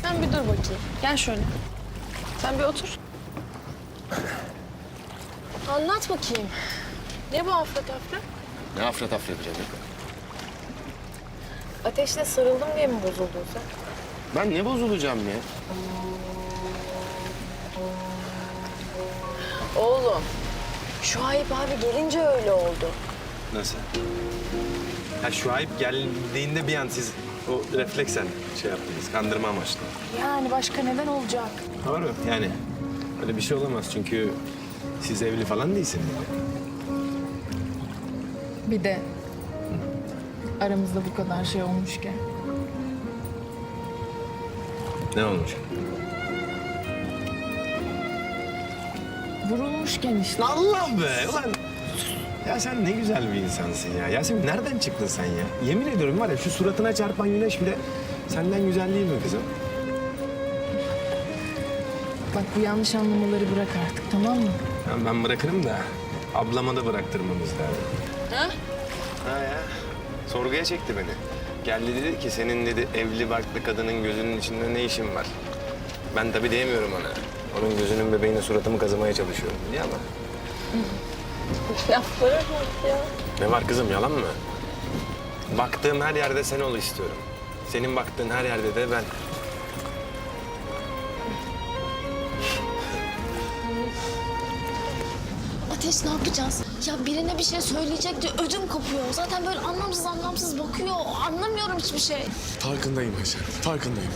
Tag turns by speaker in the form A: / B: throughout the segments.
A: Sen bir dur bakayım. Gel şöyle. Sen bir otur. Anlat bakayım. Ne bu afra tafra?
B: Ne afra tafra birader?
A: Ateşle sarıldım diye mi bozuldun sen?
B: Ben ne bozulacağım ya?
A: Oğlum, Şuayb abi gelince öyle oldu.
C: Nasıl? Ha Şuayb geldiğinde bir an siz o refleksen şey yaptınız, kandırma amaçlı.
A: Yani başka neden olacak?
C: Doğru. Yani öyle bir şey olamaz çünkü siz evli falan değilsiniz.
D: Bir de aramızda bu kadar şey olmuşken.
C: Ne olmuş?
D: Vurulmuşken işte.
C: Allah be! Ulan ya sen ne güzel bir insansın ya. Yasemin nereden çıktın sen ya? Yemin ediyorum var ya şu suratına çarpan güneş bile senden güzel değil mi kızım?
D: Bak bu yanlış anlamaları bırak artık, tamam mı?
C: Ben bırakırım da ablama da bıraktırmamız lazım.
A: Ha?
C: Ha ya. Sorguya çekti beni. Geldi dedi ki senin dedi evli barklı kadının gözünün içinde ne işin var? Ben tabii diyemiyorum ona. Onun gözünün bebeğine suratımı kazımaya çalışıyorum diye ama.
A: Laflara bak ya.
C: Ne var kızım yalan mı? Baktığım her yerde sen ol istiyorum. Senin baktığın her yerde de ben.
E: Ateş ne yapacağız? Ya birine bir şey söyleyecek diye ödüm kopuyor. Zaten böyle anlamsız bakıyor. Anlamıyorum hiçbir şey.
F: Farkındayım Ayşen, farkındayım.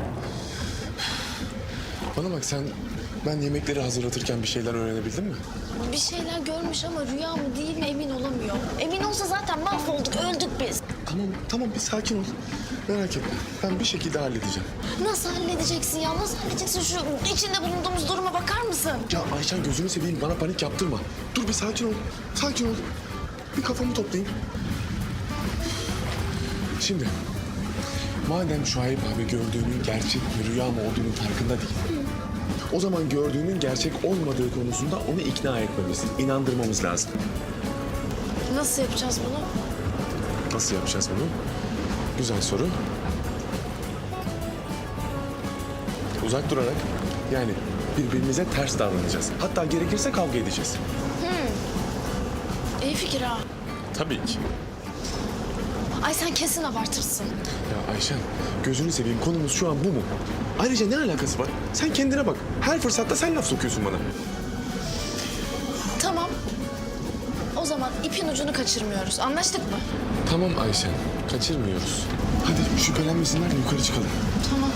F: Bana bak sen, ben yemekleri hazırlatırken bir şeyler öğrenebildin mi?
E: Bir şeyler görmüş ama rüya mı değil mi emin olamıyor. Emin olsa zaten mahvolduk, öldük biz.
F: Tamam bir sakin ol. Merak etme, ben bir şekilde halledeceğim.
E: Nasıl halledeceksin ya? Nasıl halledeceksin? Şu içinde bulunduğumuz duruma bakar mısın?
F: Ya Ayşen gözünü seveyim, bana panik yaptırma. Dur bir sakin ol, sakin ol. Bir kafamı toplayayım. Şimdi, madem Şuayb abi gördüğünün gerçek mi rüya mı olduğunun farkında değil. O zaman gördüğünün gerçek olmadığı konusunda onu ikna etmemiz, inandırmamız lazım.
E: Nasıl yapacağız bunu?
F: Nasıl yapacağız bunu? Güzel soru. Uzak durarak, yani birbirimize ters davranacağız. Hatta gerekirse kavga edeceğiz.
E: İyi fikir ha.
F: Tabii ki.
E: Ay sen kesin abartırsın.
F: Ya Ayşen, gözünü seveyim, konumuz şu an bu mu? Ayrıca ne alakası var? Sen kendine bak. Her fırsatta sen laf sokuyorsun bana.
E: Tamam. O zaman ipin ucunu kaçırmıyoruz. Anlaştık mı?
F: Tamam Ayşen, kaçırmıyoruz. Hadi şüphelenmesinler de yukarı çıkalım.
E: Tamam.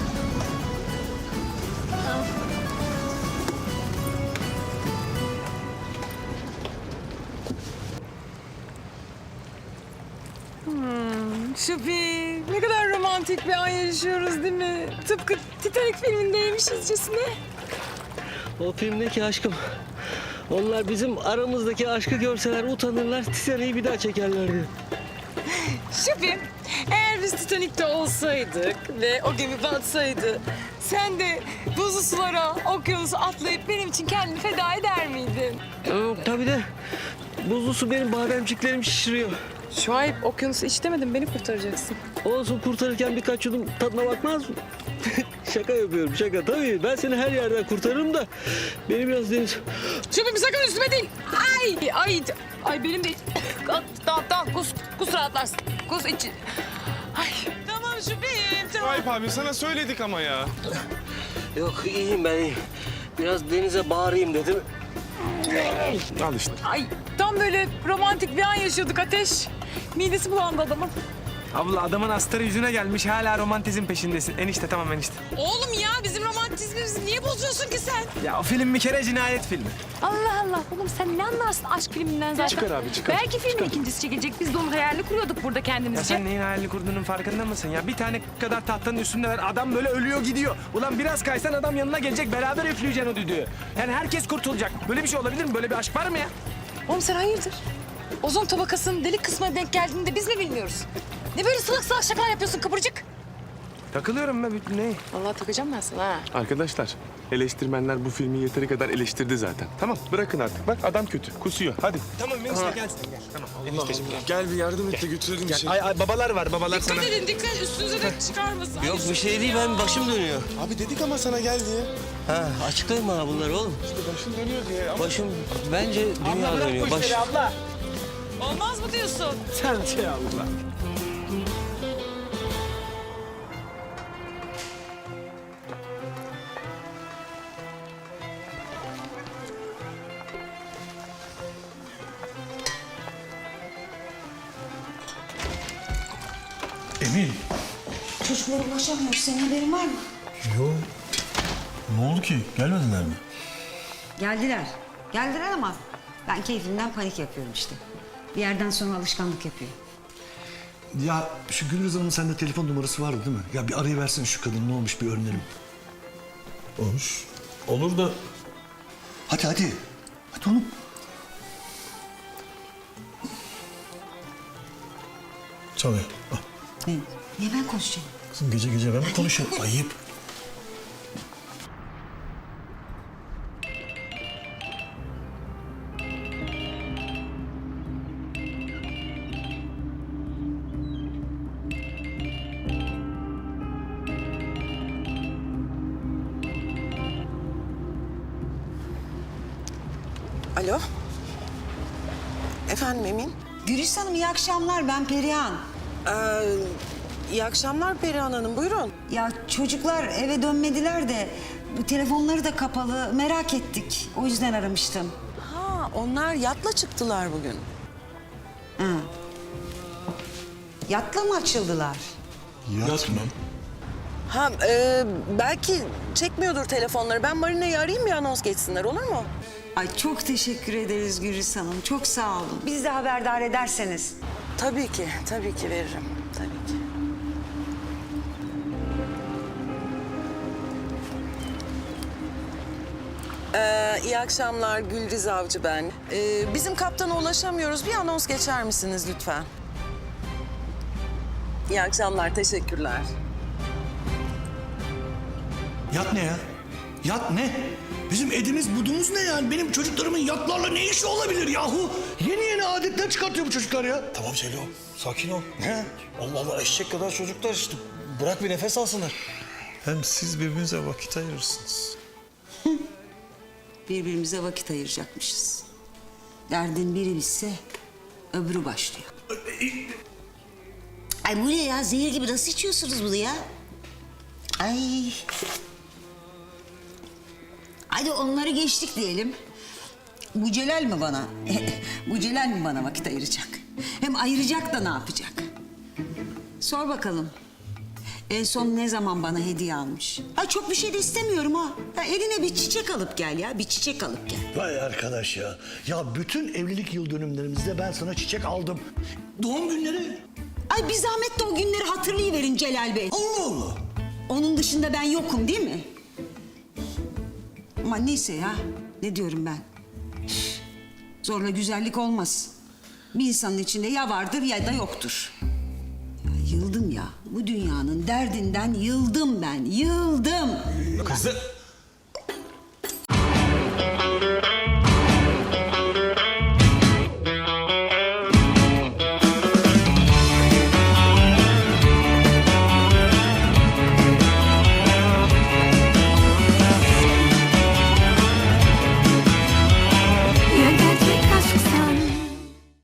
D: Şupi, ne kadar romantik bir an yaşıyoruz değil mi? Tıpkı Titanic filmindeymişizcesine.
G: O filmdeki aşkım. Onlar bizim aramızdaki aşkı görseler utanırlar, Titanic'i bir daha çekerlerdi.
D: Şupi, eğer biz Titanic'te olsaydık ve o gemi batsaydı... ...sen de buzlu sulara, okyanusu atlayıp benim için kendini feda eder miydin?
G: Tabii de buzlu su benim bademciklerimi şişiriyor.
D: Şuayb, okyanusu iç demedim, beni kurtaracaksın.
G: Olsun kurtarırken birkaç yudum tadına bakmaz mı? Şaka yapıyorum şaka tabii. Ben seni her yerden kurtarırım da beni biraz deniz...
D: Şupi sakın üstüme değil. Ay benim de... tamam kus rahatlarsın. Kus iç. Ay tamam Şupi'yim tamam.
H: Şuayb abi sana söyledik ama ya.
G: Yok iyiyim ben iyiyim. Biraz denize bağırayım dedim.
F: Al işte.
D: Ay tam böyle romantik bir an yaşıyorduk Ateş. Midesi bulandı adamın.
H: Abla adamın astarı yüzüne gelmiş hala romantizm peşindesin. Enişte tamam enişte.
D: Oğlum ya bizim romantizmimizi niye bozuyorsun ki sen?
H: Ya o film bir kere cinayet filmi.
I: Allah Allah. Oğlum sen ne anlarsın aşk filminden zaten?
F: Çıkar abi, çıkar.
I: Belki filmin ikincisi çekilecek. Biz de onun hayalini kuruyorduk burada
H: Ya
I: kendimizce.
H: sen neyin hayalini kurduğunun farkında mısın ya? Bir tane kadar tahtanın üstündeler. Adam böyle ölüyor gidiyor. Ulan biraz kaysan adam yanına gelecek beraber üfleyeceksin o düdüğü. Yani herkes kurtulacak. Böyle bir şey olabilir mi? Böyle bir aşk var mı ya?
D: Oğlum sen hayırdır? Ozon tabakasının delik kısmına denk geldiğini de biz mi bilmiyoruz? Ne böyle salak salak şakalar yapıyorsun kıpırcık?
H: Takılıyorum ben. Ne?
A: Vallahi takacağım ben sana ha.
F: Arkadaşlar, eleştirmenler bu filmi yeteri kadar eleştirdi zaten. Tamam, bırakın artık. Bak adam kötü, kusuyor. Hadi.
H: Tamam enişte gel sen gel. Tamam enişteciğim gel.
F: Gel bir yardım et de götürelim bir şey.
H: Ay babalar var babalar sana.
D: Dikkat edin dikkat üstünüze de çıkarmasın.
G: Yok bir şey değil, ben başım dönüyor.
F: Abi dedik ama sana gel diye.
G: Ha, açıklayın bana bunları oğlum.
F: İşte başın dönüyor diye ama...
G: Başım, bence dünya dönüyor.
H: abla.
D: Olmaz mı diyorsun?
H: Sen şey abla.
J: Emin.
E: Çocuklara ulaşamıyoruz. Senin haberin var mı?
J: Yok. Ne oldu ki? Gelmediler mi?
K: Geldiler. Geldiler ama ben keyfimden panik yapıyorum işte. Bir yerden sonra alışkanlık yapıyor.
J: Ya şu Gülriz Hanım'ın sende telefon numarası vardı değil mi? Ya bir arayıversene şu kadın ne olmuş bir öğrenelim. Olmuş. Olur da... Hadi hadi. Hadi oğlum. Çalıyor. Al.
K: Niye ben konuşacağım?
J: Kızım gece gece ben mi konuşuyorum? Ayıp.
L: Alo. Efendim Emin?
K: Gülis Hanım iyi akşamlar, ben Perihan.
L: İyi akşamlar Perihan Hanım, buyurun.
K: Ya çocuklar eve dönmediler de bu telefonları da kapalı, merak ettik. O yüzden aramıştım.
L: Ha, onlar yatla çıktılar bugün.
K: Yatla mı açıldılar?
J: Yat mı?
L: Ha, belki çekmiyordur telefonları. Ben Marina'yı arayayım bir anons geçsinler, olur mu?
K: Ay çok teşekkür ederiz Gülis Hanım, çok sağ olun. Bizi de haberdar ederseniz.
L: Tabii ki veririm. Tabii ki. İyi akşamlar, Gülriz Avcı ben. Bizim kaptana ulaşamıyoruz. Bir anons geçer misiniz lütfen? İyi akşamlar, teşekkürler.
J: Yat ne ya? Yat ne? Bizim edimiz budumuz ne yani? Benim çocuklarımın yatlarla ne işi olabilir yahu? Yeni yeni adetler çıkartıyor bu çocuklar ya. Tamam Celo, sakin ol. He? Allah Allah, eşek kadar çocuklar işte. Bırak bir nefes alsınlar. Hem siz birbirinize vakit ayırırsınız.
K: Birbirimize vakit ayıracakmışız. Derdin biri bitse öbürü başlıyor. Ay bu ne ya? Zehir gibi nasıl içiyorsunuz bunu ya? Ay. Hadi onları geçtik diyelim. Bu Celal mi bana? Bu Celal mi bana vakit ayıracak? Hem ayıracak da ne yapacak? Sor bakalım. En son ne zaman bana hediye almış? Ay çok bir şey de istemiyorum ha. Ya eline bir çiçek alıp gel ya. Bir çiçek alıp gel.
J: Vay arkadaş ya. Ya bütün evlilik yıl dönümlerimizde ben sana çiçek aldım. Doğum günleri.
K: Ay bir zahmet de o günleri hatırlayıverin Celal Bey.
J: Allah Allah.
K: Onun dışında ben yokum değil mi? Ama neyse ya. Ne diyorum ben? Üf, zorla güzellik olmaz. Bir insanın içinde ya vardır ya da yoktur. Ya yıldım ya. Bu dünyanın derdinden yıldım ben. Yıldım.
J: Kızım.